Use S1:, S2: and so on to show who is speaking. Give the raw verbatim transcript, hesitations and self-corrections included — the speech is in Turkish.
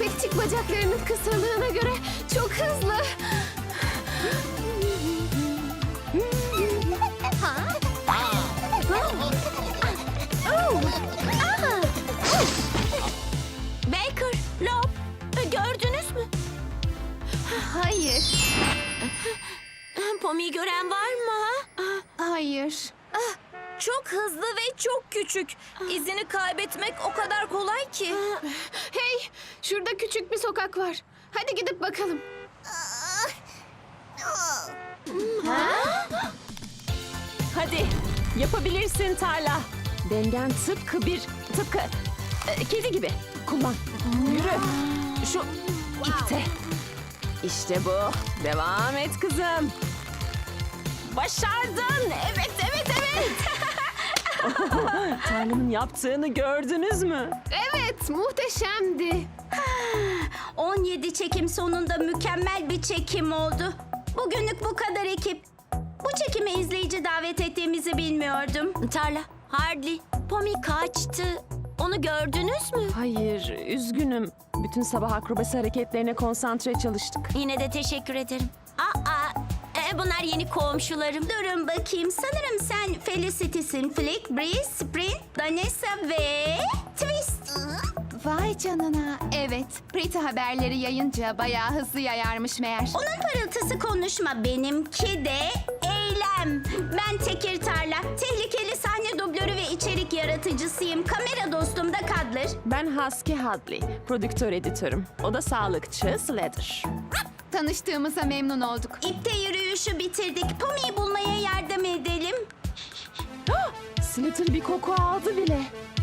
S1: Köpekçik bacaklarının kısırlığına göre çok hızlı.
S2: Baker, Lob, gördünüz mü?
S1: Hayır,
S2: Pomi'yi gören var mı? ha?
S1: hayır.
S2: Çok hızlı ve çok küçük. İzini kaybetmek o kadar kolay ki.
S1: Hey, şurada küçük bir sokak var. Hadi gidip bakalım.
S3: Hadi yapabilirsin Tarla. Dengen tıpkı bir tıpkı e, kedi gibi. Kullan. Yürü. Şu ipte. İşte bu. Devam et kızım. Başardın. Evet, evet, evet. Tarla'nın yaptığını gördünüz mü?
S1: Evet, muhteşemdi.
S4: on yedi çekim sonunda mükemmel bir çekim oldu. Bugünlük bu kadar ekip. Bu çekime izleyici davet ettiğimizi bilmiyordum.
S2: Tarla, Hardly, Pomi kaçtı. Onu gördünüz mü?
S3: Hayır, üzgünüm. Bütün sabah akrobasi hareketlerine konsantre çalıştık.
S2: Yine de teşekkür ederim. Aa, e, bunlar yeni komşularım.
S4: Durun bakayım. Sanırım sen Felicity'sin. Flick, Breeze, Sprint, Danessa ve Twist.
S1: Vay canına. Evet, Pretty haberleri yayınca bayağı hızlı yayarmış meğer.
S4: Onun parıltısı konuşma. Benimki de eylem. Ben Tekir Tarla. Tehlikeli sahne dublörü ve içerik yaratıcısıyım. Kamera dostum da Kadler.
S3: Ben Husky Hadley, prodüktör editörüm. O da sağlıkçı Slater.
S1: Tanıştığımıza memnun olduk.
S4: İpte yürüyüşü bitirdik. Pomi'yi bulmaya yardım edelim.
S3: Slater bir koku aldı bile.